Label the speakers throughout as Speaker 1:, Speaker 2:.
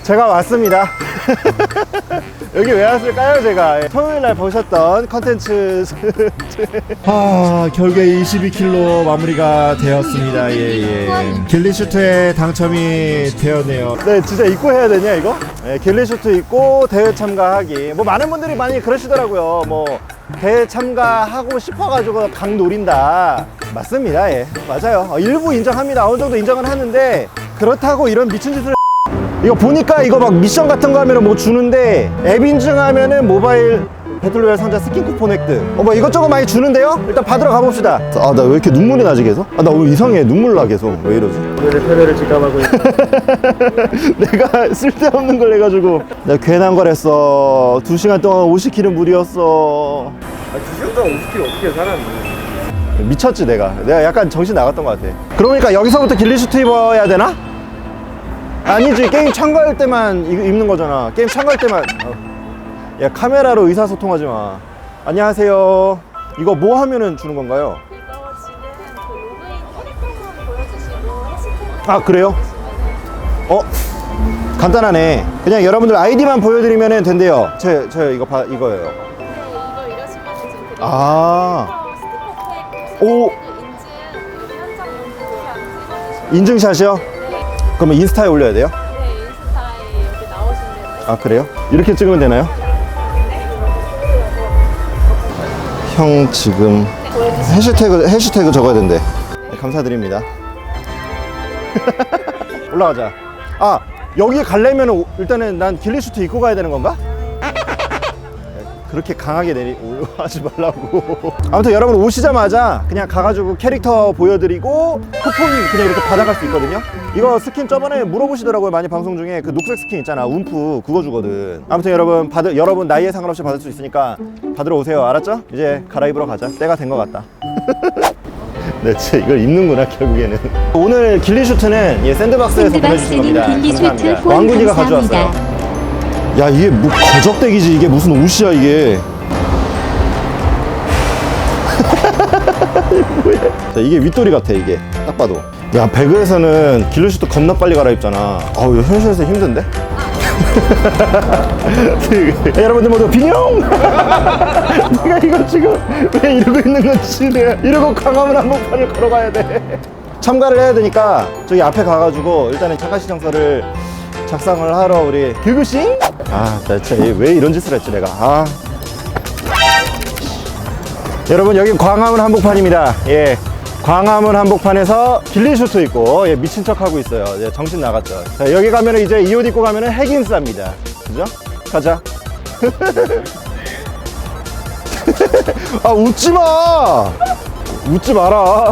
Speaker 1: 제가 왔습니다. 여기 왜 왔을까요? 제가 토요일날 보셨던 컨텐츠 결국에 22km 마무리가 되었습니다. 길리슈트에 당첨이 되었네요. 네, 진짜 입고 해야 되냐 이거? 네, 길리슈트 입고 대회 참가하기. 뭐 많은 분들이 많이 그러시더라고요. 뭐 대회 참가하고 싶어가지고 강 노린다. 맞습니다. 예, 맞아요. 일부 인정합니다. 어느 정도 인정은 하는데 그렇다고 이런 미친 짓을 이거 보니까 이거 막 미션 같은 거 하면은 뭐 주는데 앱 인증하면은 모바일 배틀로얄 상자 스킨 쿠폰 획득. 뭐 이것저것 많이 주는데요? 일단 받으러 가봅시다. 아, 나 왜 이렇게 눈물이 나지 계속? 아, 나 오늘 이상해. 눈물 나 계속. 왜 이러지?
Speaker 2: 오늘의 패배를 직감하고 있는
Speaker 1: 내가 쓸데없는 걸 해가지고 내가 괜한 걸 했어. 2시간 동안 50km 무리였어.
Speaker 2: 아, 2시간 동안 50km 어떻게 살았니?
Speaker 1: 미쳤지 내가 약간 정신 나갔던 것 같아. 그러니까 여기서부터 길리슈트 입어야 되나? 아니지, 게임 참가할 때만 입는 거잖아. 게임 참가할 때만. 야, 카메라로 의사소통하지 마. 안녕하세요. 이거 뭐 하면은 주는 건가요?
Speaker 3: 이거 지금 그 로그인 캐릭터만 보여주시고 해시태그
Speaker 1: 아, 그래요? 간단하네. 그냥 여러분들 아이디만 보여드리면 된대요. 저 이거예요.
Speaker 3: 네, 이거 이러시면 지금 드리는
Speaker 1: 아.
Speaker 3: 스티커 팩
Speaker 1: 오.
Speaker 3: 인증 여기 한장 찍어주시면
Speaker 1: 인증샷이요? 그러면 인스타에 올려야 돼요?
Speaker 3: 네, 인스타에 여기 나오시면
Speaker 1: 아, 그래요? 이렇게 찍으면 되나요? 형 지금 해시태그 적어야 된대. 네, 감사드립니다. 올라가자. 아, 여기 가려면 일단은 난 길리슈트 입고 가야 되는 건가? 그렇게 강하게 하지 말라고. 아무튼 여러분 오시자마자 그냥 가가지고 캐릭터 보여드리고 쿠폰 그냥 이렇게 받아갈 수 있거든요. 이거 스킨 저번에 물어보시더라고요. 많이 방송 중에 그 녹색 스킨 있잖아, 움프. 그거 주거든. 아무튼 여러분 나이에 상관없이 받을 수 있으니까 받으러 오세요. 알았죠? 이제 갈아입으러 가자. 때가 된 것 같다. 네, 진짜 이걸 입는구나 결국에는. 오늘 길리슈트는 샌드박스에서 보내주신 겁니다. 감사합니다. 왕군이가 가져왔어요. 야, 이게 뭐 거적대기지. 이게 무슨 옷이야 이게. 뭐야. 자, 이게 윗돌이 같아. 이게 딱 봐도. 야, 배그에서는 길리슈트 겁나 빨리 갈아입잖아. 아우, 현실에서 힘든데? 야, 여러분들 모두 빈용! 내가 이거 지금 왜 이러고 있는 건지. 내가 이러고 광화문 한복판을 걸어가야 돼. 참가를 해야 되니까 저기 앞에 가가지고 일단은 참가신청서를 작성을 하러 우리 길구싱? 아, 대체 왜 이런 짓을 했지 내가. 아. 여러분, 여기 광화문 한복판입니다. 예, 광화문 한복판에서 길리슈트 입고 미친 척 하고 있어요. 정신 나갔죠. 자, 여기 가면은 이제 이 옷 입고 가면은 핵인싸입니다. 그죠? 가자. 아, 웃지 마. 웃지 마라.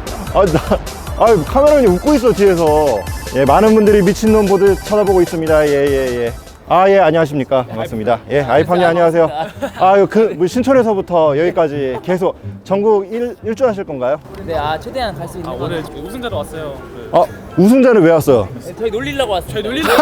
Speaker 1: 카메라맨이 웃고 있어 뒤에서. 예, 많은 분들이 미친놈 보듯 쳐다보고 있습니다. 예. 아, 예, 안녕하십니까. 반갑습니다. 예, 아이팜님 안녕하세요. 아유, 뭐 신촌에서부터 여기까지 계속 전국 일주 하실 건가요?
Speaker 4: 네, 최대한 갈 수 있는 거.
Speaker 2: 오늘 우승자로 왔어요.
Speaker 1: 우승자는 왜 왔어요?
Speaker 4: 네, 저희 놀리려고 왔어요.
Speaker 2: 저희 놀리려고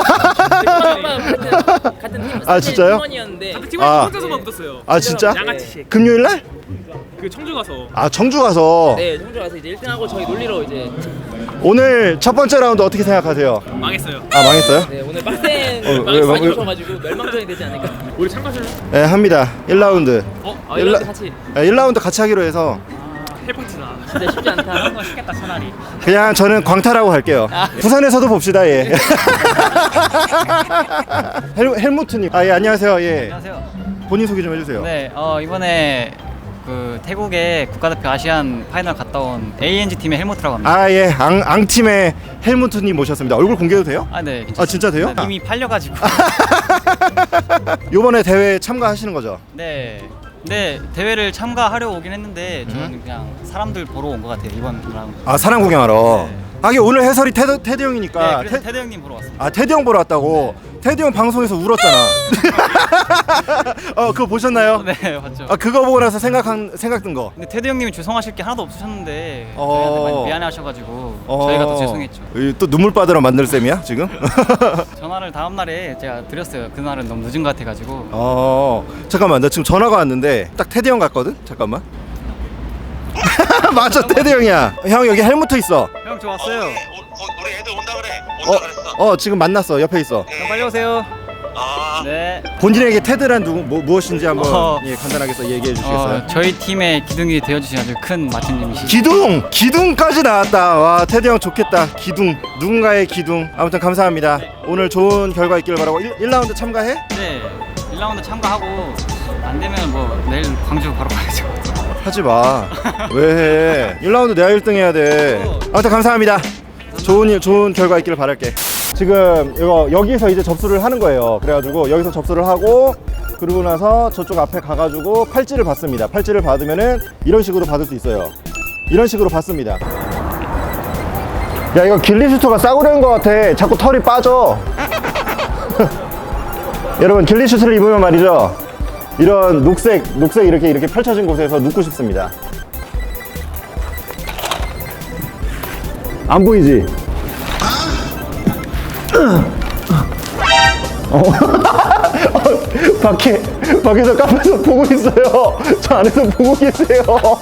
Speaker 4: 같은 팀.
Speaker 1: 아, 진짜요?
Speaker 4: 팀원이었는데.
Speaker 2: 팀원이 혼자서만 붙었어요.
Speaker 1: 아, 진짜?
Speaker 2: 양아치.
Speaker 1: 금요일날?
Speaker 2: 그 청주 가서.
Speaker 1: 아, 청주 가서.
Speaker 4: 네, 청주 가서 이제 1등하고 저희 놀리러 이제.
Speaker 1: 오늘 첫 번째 라운드 어떻게 생각하세요?
Speaker 2: 망했어요.
Speaker 1: 아, 망했어요?
Speaker 4: 네, 오늘 빡센
Speaker 1: 왜,
Speaker 4: 많이
Speaker 1: 왜?
Speaker 4: 오셔가지고 멸망전이 되지 않을까.
Speaker 2: 우리 참가실래?
Speaker 1: 네, 합니다. 1라운드.
Speaker 4: 이렇게 같이.
Speaker 1: 1라운드 같이 하기로 해서
Speaker 2: 헬파티나.
Speaker 4: 진짜 쉽지 않다.
Speaker 2: 그런 거 쉽겠다 차라리.
Speaker 1: 그냥 저는 광탈하고 갈게요. 부산에서도 봅시다. 예. 헬무트님. 아, 예, 안녕하세요. 예.
Speaker 5: 안녕하세요.
Speaker 1: 본인 소개 좀 해주세요.
Speaker 5: 네, 이번에 그 태국의 국가대표 아시안 파이널 갔다 온 ANG 팀의 헬무트라고 합니다.
Speaker 1: 아, 예, 앙팀의 헬무트님 모셨습니다. 얼굴 공개해도 돼요?
Speaker 5: 네, 괜찮습니다.
Speaker 1: 아, 진짜 돼요?
Speaker 5: 이미 팔려가지고.
Speaker 1: 요번에 대회 참가하시는 거죠?
Speaker 5: 네, 대회를 참가하려고 오긴 했는데 저는 그냥 사람들 보러 온 것 같아요, 이번 라운드.
Speaker 1: 아, 사람 구경하러.
Speaker 5: 네.
Speaker 1: 하긴 오늘 해설이 테드 형이니까.
Speaker 5: 네, 그래서 테드 형님 보러 왔습니다.
Speaker 1: 아, 테드 형 보러 왔다고? 테드 형 방송에서 울었잖아. 그거 보셨나요?
Speaker 5: 네, 맞죠.
Speaker 1: 아, 그거 보고 나서 생각든 거.
Speaker 5: 근데 테드 형님이 죄송하실 게 하나도 없으셨는데
Speaker 1: 어.
Speaker 5: 저희한테 많이 미안해하셔가지고 저희가 더 죄송했죠.
Speaker 1: 또 눈물 빠드러 만들 셈이야 지금?
Speaker 5: 전화를 다음 날에 제가 드렸어요. 그날은 너무 늦은 것 같아가지고.
Speaker 1: 잠깐만, 나 지금 전화가 왔는데 딱 테디 형 같거든? 잠깐만. 맞아, 테드 형이야. 형 여기 헬무트 있어.
Speaker 5: 형 좋았어요.
Speaker 6: 우리 애들 온다 그래. 온다 그랬어.
Speaker 1: 지금 만났어. 옆에 있어.
Speaker 5: 형 빨리 오세요.
Speaker 6: 아,
Speaker 5: 네.
Speaker 1: 본인에게 테드란 무엇인지 한번
Speaker 5: 어.
Speaker 1: 예, 간단하게 얘기해 주시겠어요?
Speaker 5: 저희 팀의 기둥이 되어주신 아주 큰 마틴님이시.
Speaker 1: 기둥까지 나왔다. 와, 테드 형 좋겠다. 기둥, 누군가의 기둥. 아무튼 감사합니다. 오늘 좋은 결과 있기를 바라고. 1라운드 참가해?
Speaker 5: 네. 1라운드 참가하고 안 되면 뭐 내일 광주 바로 가야죠.
Speaker 1: 하지 마. 왜 해? 1라운드 내가 1등 해야 돼. 아무튼 감사합니다. 좋은 결과 있기를 바랄게. 지금 여기서 이제 접수를 하는 거예요. 그래가지고 여기서 접수를 하고 그러고 나서 저쪽 앞에 가가지고 팔찌를 받습니다. 팔찌를 받으면은 이런 식으로 받을 수 있어요. 이런 식으로 받습니다. 야, 이거 길리슈트가 싸구려인 것 같아. 자꾸 털이 빠져. 여러분, 길리슈트를 입으면 말이죠, 이런 녹색 이렇게 펼쳐진 곳에서 눕고 싶습니다. 안 보이지? 밖에서 카페에서 보고 있어요. 저 안에서 보고 계세요.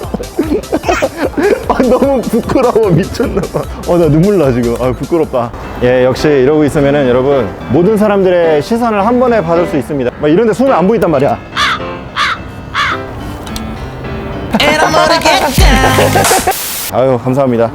Speaker 1: 너무 부끄러워. 미쳤나봐. 나 눈물 나 지금. 부끄럽다. 예, 역시 이러고 있으면은 여러분, 모든 사람들의 시선을 한 번에 받을 수 있습니다. 막 이런데 숨이 안 보인단 말이야. 아유, 감사합니다.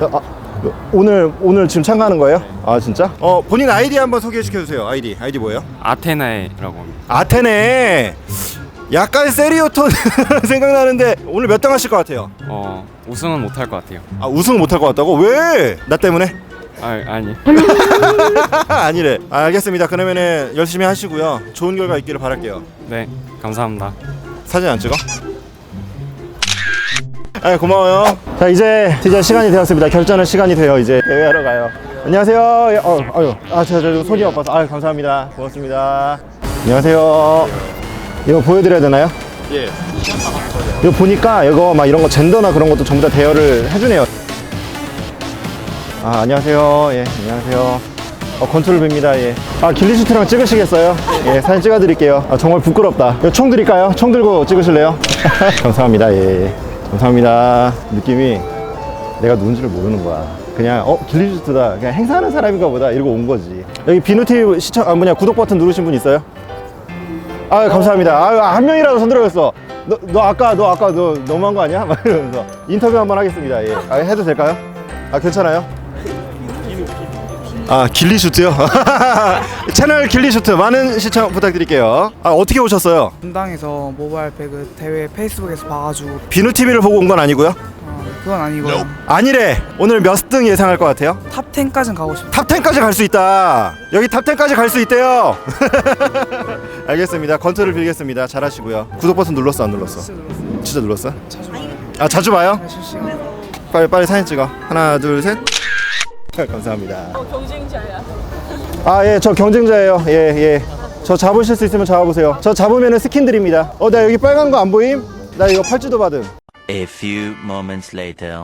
Speaker 1: 오늘 지금 참가하는 거예요? 아, 진짜? 본인 아이디 한번 소개시켜주세요. 아이디 뭐예요?
Speaker 7: 아테나에라고 합니다.
Speaker 1: 아테네. 약간 세리오톤 생각나는데 오늘 몇 등 하실 것 같아요?
Speaker 7: 우승은 못할 것 같아요.
Speaker 1: 우승 못할 것 같다고? 왜? 나 때문에?
Speaker 7: 아니.
Speaker 1: 아니래. 알겠습니다. 그러면은 열심히 하시고요. 좋은 결과 있기를 바랄게요.
Speaker 7: 네, 감사합니다.
Speaker 1: 사진 안 찍어? 고마워요. 자, 이제 드디어 시간이 되었습니다. 결전의 시간이 돼요. 이제 대회하러 가요. 안녕하세요. 제가 손이 아파서. 감사합니다. 고맙습니다. 안녕하세요. 이거 보여드려야 되나요?
Speaker 2: 예.
Speaker 1: 이거 보니까 이거 막 이런 거 젠더나 그런 것도 전부 다 대여를 해주네요. 안녕하세요. 예, 안녕하세요. 건투를 빕니다. 예. 길리슈트랑 찍으시겠어요? 예, 사진 찍어드릴게요. 정말 부끄럽다. 이거 총 드릴까요? 총 들고 찍으실래요? 감사합니다. 예. 감사합니다. 느낌이 내가 누군지를 모르는 거야. 그냥 길리슈트다, 그냥 행사하는 사람인가 보다 이러고 온 거지. 여기 비누TV 구독 버튼 누르신 분 있어요? 감사합니다. 한 명이라도 손 들어줬어. 너 아까 너 너무한 거 아니야? 막 이러면서 인터뷰 한번 하겠습니다. 예. 해도 될까요? 괜찮아요? 길리슈트요? 채널 길리슈트 많은 시청 부탁드릴게요. 어떻게 오셨어요?
Speaker 8: 분당에서 모바일 배그 대회 페이스북에서 봐가지고.
Speaker 1: 비누TV를 보고 온 건 아니고요?
Speaker 8: 그건 아니고요.
Speaker 1: 아니래. 오늘 몇 등 예상할 것 같아요?
Speaker 8: 탑 10까지는 가고 싶어요.
Speaker 1: 탑 10까지 갈 수 있다. 여기 탑 10까지 갈 수 있대요. 알겠습니다. 건투를 빌겠습니다. 잘하시고요. 구독 버튼 눌렀어, 안 눌렀어? 진짜 눌렀어?
Speaker 8: 자주
Speaker 1: 자주 봐요?
Speaker 8: 실시간.
Speaker 1: 빨리 사진 찍어. 하나, 둘, 셋. 감사합니다.
Speaker 4: 경쟁자야.
Speaker 1: 예, 저 경쟁자예요. 예. 저 잡으실 수 있으면 잡아보세요. 저 잡으면 스킨 드립니다. 나 여기 빨간 거 안 보임? 나 이거 팔찌도 받음.
Speaker 9: A few moments later.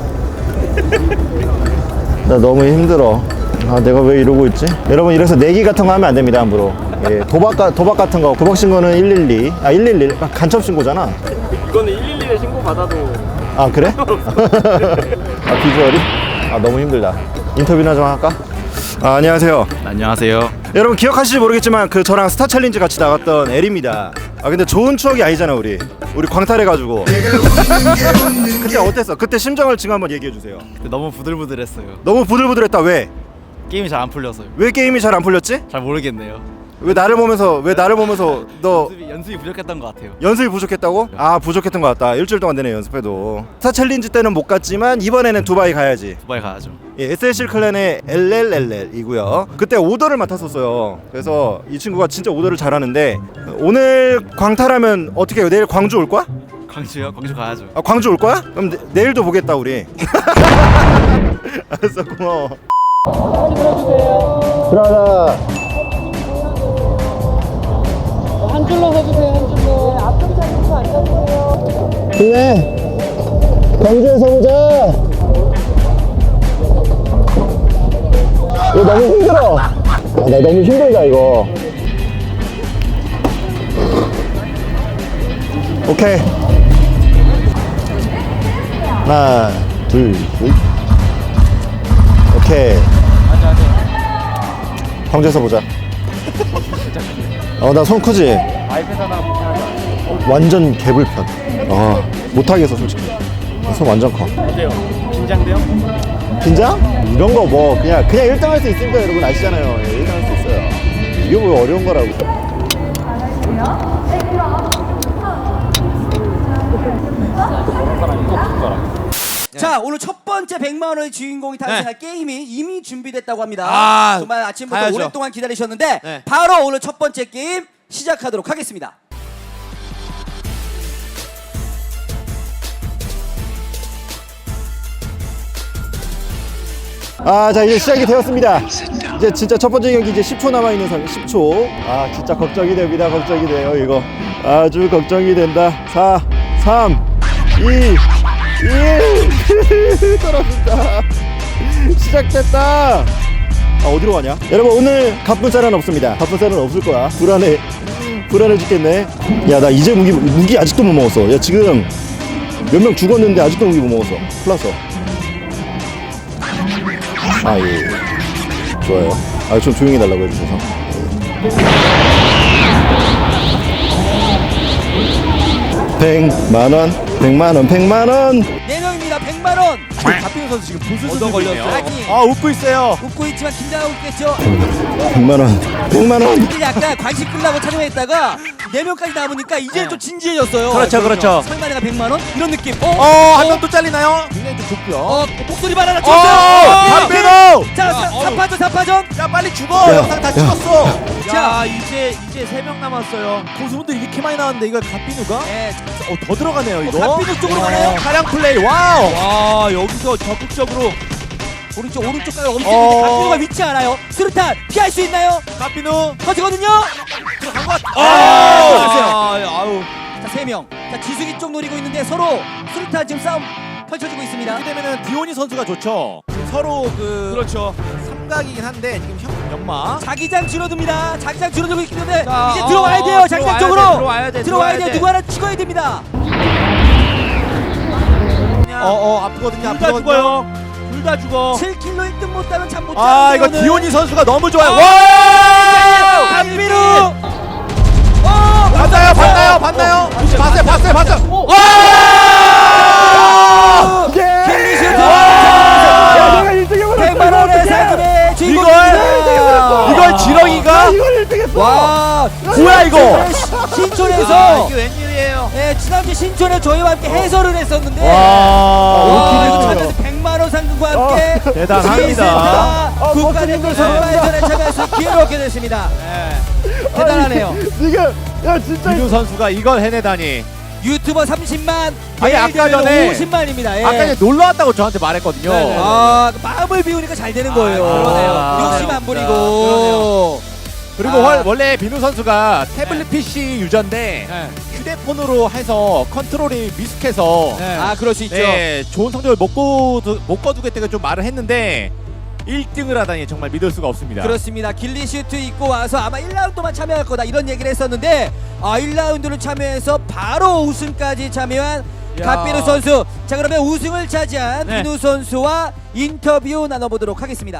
Speaker 1: 나 너무 힘들어. 내가 왜 이러고 있지? 여러분, 이래서 내기 같은 거 하면 안 됩니다, 함부로. 예, 도박 같은 거, 도박 신고는 112. 111. 간첩 신고잖아.
Speaker 2: 이거는 112에 신고 받아도.
Speaker 1: 그래? 비주얼이? 너무 힘들다. 인터뷰나 좀 할까? 안녕하세요.
Speaker 7: 안녕하세요.
Speaker 1: 여러분 기억하실지 모르겠지만 저랑 스타 챌린지 같이 나갔던 엘입니다. 근데 좋은 추억이 아니잖아. 우리 광탈해가지고. 그때 어땠어? 그때 심정을 지금 한번 얘기해주세요.
Speaker 10: 너무 부들부들했어요.
Speaker 1: 너무 부들부들했다. 왜?
Speaker 10: 게임이 잘 안 풀려서요.
Speaker 1: 왜 게임이 잘 안 풀렸지?
Speaker 10: 잘 모르겠네요.
Speaker 1: 왜 나를 보면서 너
Speaker 10: 연습이 부족했던 것 같아요.
Speaker 1: 연습이 부족했다고? 부족했던 것 같다. 일주일 동안 내내 연습해도. 스타 챌린지 때는 못 갔지만 이번에는 두바이 가야지.
Speaker 10: 두바이 가야죠.
Speaker 1: 예, SLC 클랜의 LLLL이고요. 그때 오더를 맡았었어요. 그래서 이 친구가 진짜 오더를 잘하는데 오늘 광탈하면 어떻게 해요? 내일 광주 올 거야?
Speaker 10: 광주요? 광주 가야죠.
Speaker 1: 광주 올 거야? 그럼 내일도 보겠다 우리. 알았어, 고마워. 들어가자.
Speaker 4: 한 줄로 서주세요. 한 줄로. 앞쪽 자리에서 앉아주세요.
Speaker 1: 그래. 광주에서 보자. 이거 너무 힘들어. 나 너무 힘들다 이거. 오케이. 하나, 둘, 셋. 오케이. 광주에서 보자. 나 손 크지? 완전 개불편. 못하겠어 솔직히. 손 완전 커.
Speaker 2: 어때요? 긴장돼요?
Speaker 1: 긴장? 이런 거 뭐 그냥 1등 할 수 있으니까 여러분 아시잖아요. 1등 할 수 있어요. 이게 뭐 어려운 거라고.
Speaker 11: 자, 오늘 첫 번째 100만 원의 주인공이 탄생할 게임이 이미 준비됐다고 합니다. 정말 아침부터
Speaker 10: 가야죠.
Speaker 11: 오랫동안 기다리셨는데
Speaker 10: 네.
Speaker 11: 바로 오늘 첫 번째 게임 시작하도록 하겠습니다.
Speaker 1: 자 이제 시작이 되었습니다. 이제 진짜 첫 번째 경기 이제 10초 남아 있는 상황. 10초. 진짜 걱정이 됩니다. 걱정이 돼요 이거. 아주 걱정이 된다. 4, 3, 2, 1. 떨어진다. 시작됐다. 어디로 가냐? 여러분 오늘 갑분살은 없습니다. 갑분살은 없을 거야. 불안해 죽겠네. 야 나 이제 무기 아직도 못 먹었어. 야 지금 몇 명 죽었는데 아직도 무기 못 먹었어. 큰일 났어. 예. 좋아요. 좀 조용히 달라고 해주셔서. 100만 원, 100만 원, 100만 원.
Speaker 11: 4명입니다. 100만 원.
Speaker 10: 박빈우 선수 지금 부슬부슬 걸렸어요.
Speaker 11: 아니,
Speaker 10: 웃고 있어요.
Speaker 11: 웃고 있지만 긴장하고 있겠죠.
Speaker 1: 100만 원, 100만 원.
Speaker 11: 이게 약간 관심 끌라고 촬영했다가 4명까지 남으니까 이제 좀 진지해졌어요.
Speaker 10: 그렇죠.
Speaker 11: 설마 내가 100만 원? 이런 느낌.
Speaker 10: 한 명 또 잘리나요? 굉장히 좀 좋고요.
Speaker 11: 목소리 바나나 쳤어요.
Speaker 10: 박빈우!
Speaker 11: 자, 4파전.
Speaker 10: 야 빨리 죽어. 영상 다 찍었어.
Speaker 11: 자,
Speaker 10: 이제 3명 남았어요. 고수분들 이렇게 많이 나왔는데 이걸 갓빈우가?
Speaker 11: 네,
Speaker 10: 더 들어가네요 이거.
Speaker 11: 갓빈우 쪽으로 가나요?
Speaker 10: 차량 플레이 와우. 와 여기서 적극적으로
Speaker 11: 오른쪽까지 엄청 있는데 갓빈우가 위치 알아요. 수류탄 피할 수 있나요?
Speaker 10: 갓빈우
Speaker 11: 터지거든요.
Speaker 10: 들어간 것 같아.
Speaker 11: 아우. 자, 3명. 자, 지숙이 쪽 노리고 있는데 서로 수류탄 지금 싸움 펼쳐지고 있습니다.
Speaker 10: 이렇게 되면은 디오니 선수가 좋죠. 지금 서로 그렇죠. 삼각이긴 한데 지금 형 연마.
Speaker 11: 자기장 줄어듭니다. 자기장 줄어들고 있기 때문에
Speaker 10: 자,
Speaker 11: 이제 들어와야 돼요. 자기장 쪽으로.
Speaker 10: 들어와야 돼.
Speaker 11: 누구 하나 찍어야 됩니다.
Speaker 10: 아프거든요. 둘 다 죽어요. 둘 다 죽어.
Speaker 11: 7킬로 1등 못 따면 잠 못 자는데
Speaker 10: 이거
Speaker 11: 오늘.
Speaker 10: 디오니 선수가 너무 좋아요.
Speaker 11: 와!
Speaker 10: 박빈우. 봤나요? 봤어요. 와!
Speaker 1: 내가 1등을
Speaker 11: 100만 원의 사기네 주인공입니다.
Speaker 10: 이걸 지렁이가?
Speaker 1: 이걸 1등했어.
Speaker 11: 와,
Speaker 10: 뭐야 이거?
Speaker 11: 신촌에서
Speaker 10: 이게 웬일이에요?
Speaker 11: 네, 지난주 신촌에 저희와 함께 해설을 했었는데
Speaker 10: 와,
Speaker 11: 이거 찾아서 100만 원 상금과 함께
Speaker 10: 대단합니다.
Speaker 11: 국가대표 선발전에 참여해서 기회를 얻게 됐습니다. 대단하네요.
Speaker 1: 지금 야 진짜
Speaker 10: 비누 선수가 이걸 해내다니.
Speaker 11: 유튜버 30만,
Speaker 10: 아니, 아까 전에
Speaker 11: 50만입니다. 예.
Speaker 10: 아까 전에 놀러 왔다고 저한테 말했거든요.
Speaker 11: 마음을 비우니까 잘 되는 거예요.
Speaker 10: 그러네요.
Speaker 11: 욕심 안 부리고.
Speaker 10: 그리고 원래 비누 선수가 태블릿 PC 유저인데 휴대폰으로 해서 컨트롤이 미숙해서
Speaker 11: 그럴 수 있죠.
Speaker 10: 네, 좋은 성적을 못 거두겠다고 좀 말을 했는데 1등을 하다니 정말 믿을 수가 없습니다.
Speaker 11: 그렇습니다. 길리슈트 입고 와서 아마 1라운드만 참여할 거다 이런 얘기를 했었는데 1라운드를 참여해서 바로 우승까지 참여한 갓비누 선수. 자, 그러면 우승을 차지한 비누 선수와 인터뷰 나눠보도록 하겠습니다.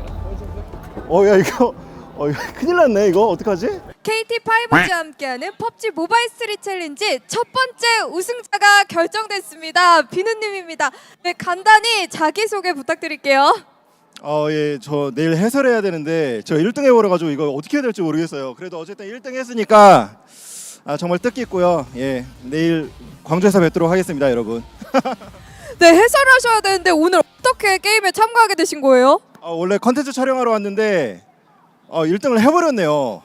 Speaker 1: 야 이거 큰일 났네. 이거 어떡하지?
Speaker 3: KT5G와 함께하는 펍지 모바일 스트릿 챌린지 첫 번째 우승자가 결정됐습니다. 비누님입니다. 네, 간단히 자기소개 부탁드릴게요.
Speaker 1: 예, 저 내일 해설해야 되는데 저 1등 해버려가지고 이거 어떻게 해야 될지 모르겠어요. 그래도 어쨌든 1등 했으니까 정말 뜻깊고요. 예, 내일 광주에서 뵙도록 하겠습니다, 여러분.
Speaker 3: 네, 해설하셔야 되는데 오늘 어떻게 게임에 참가하게 되신 거예요?
Speaker 1: 원래 컨텐츠 촬영하러 왔는데 1등을 해버렸네요.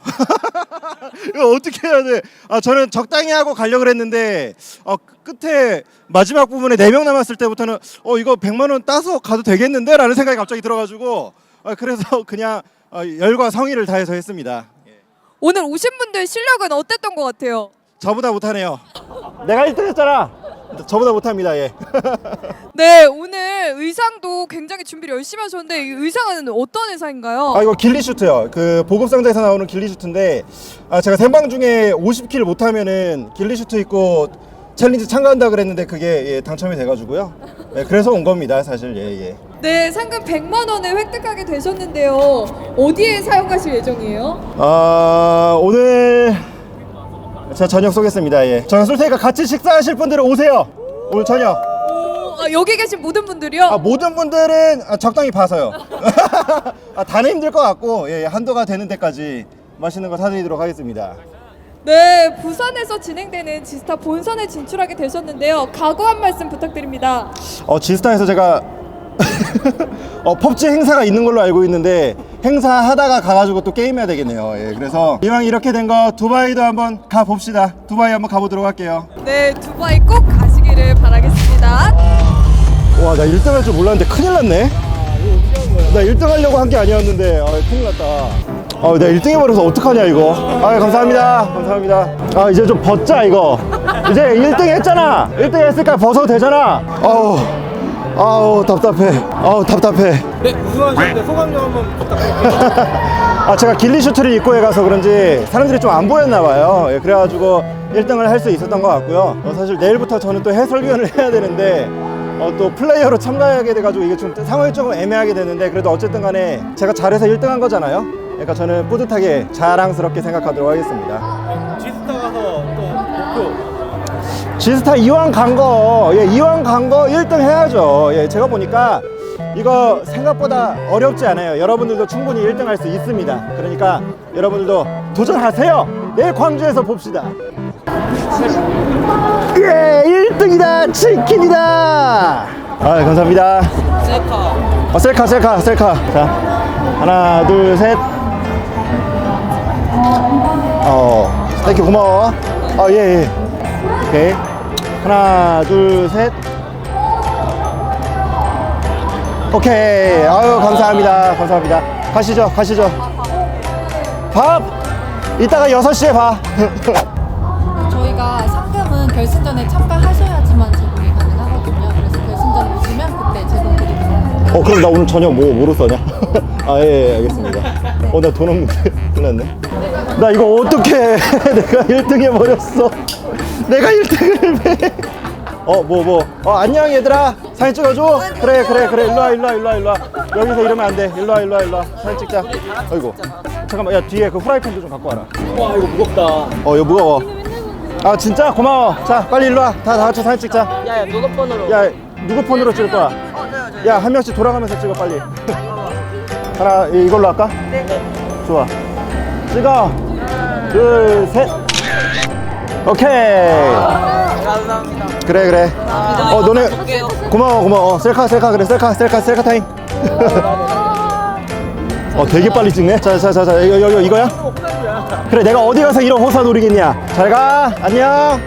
Speaker 1: 이거 어떻게 해야 돼? 저는 적당히 하고 가려고 했는데 끝에 마지막 부분에 4명 남았을 때부터는 이거 100만 원 따서 가도 되겠는데? 라는 생각이 갑자기 들어가지고 그래서 그냥 열과 성의를 다해서 했습니다.
Speaker 3: 오늘 오신 분들 실력은 어땠던 것 같아요?
Speaker 1: 저보다 못하네요. 내가 1등 했잖아. 저보다 못합니다. 예.
Speaker 3: 네, 오늘 의상도 굉장히 준비를 열심히 하셨는데 이 의상은 어떤 의상인가요?
Speaker 1: 이거 길리슈트요. 그 보급상자에서 나오는 길리슈트인데 제가 생방 중에 50킬 못하면은 길리슈트 입고 챌린지 참가한다 그랬는데 그게 예, 당첨이 돼가지고요. 예, 그래서 온 겁니다, 사실. 예.
Speaker 3: 네, 상금 100만 원을 획득하게 되셨는데요. 어디에 사용하실 예정이에요?
Speaker 1: 오늘 제가 저녁 쏘겠습니다. 예. 저녁 쏠 테니까 같이 식사하실 분들은 오세요. 오늘 저녁.
Speaker 3: 여기 계신 모든 분들이요?
Speaker 1: 모든 분들은 적당히 봐서요. 다는 힘들 것 같고 예, 한도가 되는 데까지 맛있는 거 사드리도록 하겠습니다.
Speaker 3: 네, 부산에서 진행되는 지스타 본선에 진출하게 되셨는데요. 각오 한 말씀 부탁드립니다.
Speaker 1: 지스타에서 제가 펍지 행사가 있는 걸로 알고 있는데 행사 하다가 가가지고 또 게임해야 되겠네요. 예, 그래서 이왕 이렇게 된 거 두바이도 한번 가봅시다. 두바이 한번 가보도록 할게요.
Speaker 3: 네, 두바이 꼭 가시기를 바라겠습니다.
Speaker 1: 와, 나 1등 할 줄 몰랐는데 큰일 났네. 나 1등 하려고 한 게 아니었는데 큰일 났다. 내가 1등 해버려서 어떡하냐 이거. 감사합니다. 이제 좀 벗자 이거. 이제 1등 했잖아. 1등 했으니까 벗어도 되잖아. 아우 답답해.
Speaker 2: 네, 우승하셨는데 소감 좀 한번 부탁드립니다.
Speaker 1: 제가 길리 슈트를 입고 가서 그런지 사람들이 좀 안 보였나 봐요. 예, 그래가지고 1등을 할 수 있었던 것 같고요. 사실 내일부터 저는 또 해설위원을 해야 되는데 또 플레이어로 참가하게 돼가지고 이게 좀 상황이 조금 애매하게 되는데 그래도 어쨌든 간에 제가 잘해서 1등 한 거잖아요. 그러니까 저는 뿌듯하게 자랑스럽게 생각하도록 하겠습니다.
Speaker 2: 지스타 가서 또 목표.
Speaker 1: 지스타 이왕 간 거 1등 해야죠. 예, 제가 보니까 이거 생각보다 어렵지 않아요. 여러분들도 충분히 1등 할 수 있습니다. 그러니까 여러분들도 도전하세요. 내일 광주에서 봅시다. 예, 1등이다. 치킨이다. 감사합니다. 셀카. 자, 하나, 둘, 셋. 땡큐, 고마워. 예. 오케이. 하나, 둘, 셋. 오케이. 감사합니다. 가시죠. 밥! 이따가 6시에 봐.
Speaker 12: 저희가 상금은 결승전에 참가하셔야지만 제공이 가능하거든요. 그래서 결승전에 오시면 그때 제공드리겠습니다.
Speaker 1: 그럼 나 오늘 저녁 뭐로 써냐? 예, 알겠습니다. 나 돈 없는데 큰일 났네. 나 이거 어떡해. 내가 1등 해버렸어. 내가 1등을 해. 안녕 얘들아. 사진 찍어줘. 그래. 일로와. 여기서 이러면 안 돼. 일로와. 사진 찍자. 아이고. 잠깐만, 야, 뒤에 그 후라이팬도 좀 갖고 와라.
Speaker 2: 와, 이거 무겁다.
Speaker 1: 이거 무거워. 진짜? 고마워. 자, 빨리 일로와. 다 같이 사진 찍자.
Speaker 4: 야, 누구 폰으로?
Speaker 1: 야, 누구 폰으로 찍을 거야? 야, 한 명씩 돌아가면서 찍어, 빨리. 하나, 이걸로 할까? 네. 좋아. 찍어. 둘, 셋. 오케이.
Speaker 4: 감사합니다.
Speaker 1: 그래. 너네 고마워. 셀카 그래. 셀카 타임. 되게 빨리 찍네. 자, 이거야? 그래, 내가 어디 가서 이런 호사 노리겠냐. 잘 가. 안녕.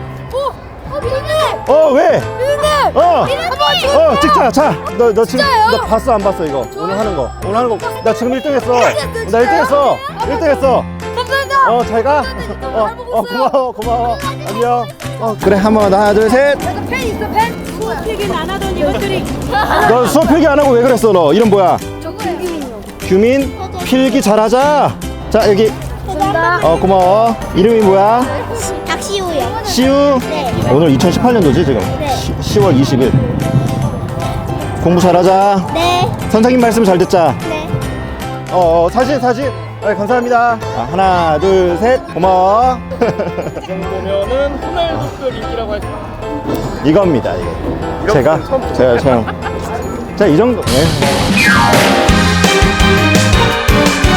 Speaker 3: 비누님!
Speaker 1: 왜?
Speaker 3: 비누님!
Speaker 1: 찍자. 자, 너 지금 너 봤어 안 봤어 이거? 오늘 하는 거. 나 지금 1등 했어. 나 1등 했어.
Speaker 3: 감사합니다.
Speaker 1: 잘 가. 고마워. 안녕. 그래, 한번 하나, 둘, 셋.
Speaker 3: 펜 있어, 펜? 수업 필기는 안 하던 이것들이.
Speaker 1: 너 수업 필기 안 하고 왜 그랬어? 너 이름 뭐야?
Speaker 3: 저거요.
Speaker 1: 규민. 필기 잘하자. 자, 여기. 고마워. 이름이 뭐야?
Speaker 12: 박시우요.
Speaker 1: 시우.
Speaker 12: 네.
Speaker 1: 오늘 2018년도지 지금.
Speaker 12: 네.
Speaker 1: 10월 20일. 공부 잘하자.
Speaker 12: 네.
Speaker 1: 선생님 말씀 잘 듣자.
Speaker 12: 네.
Speaker 1: 사진. 감사합니다. 하나, 둘, 셋. 고마워.
Speaker 2: 이 정도면은 호날두급 인기라고 할 수 있습니다.
Speaker 1: 이겁니다. 이게. 제가 이 정도. 네.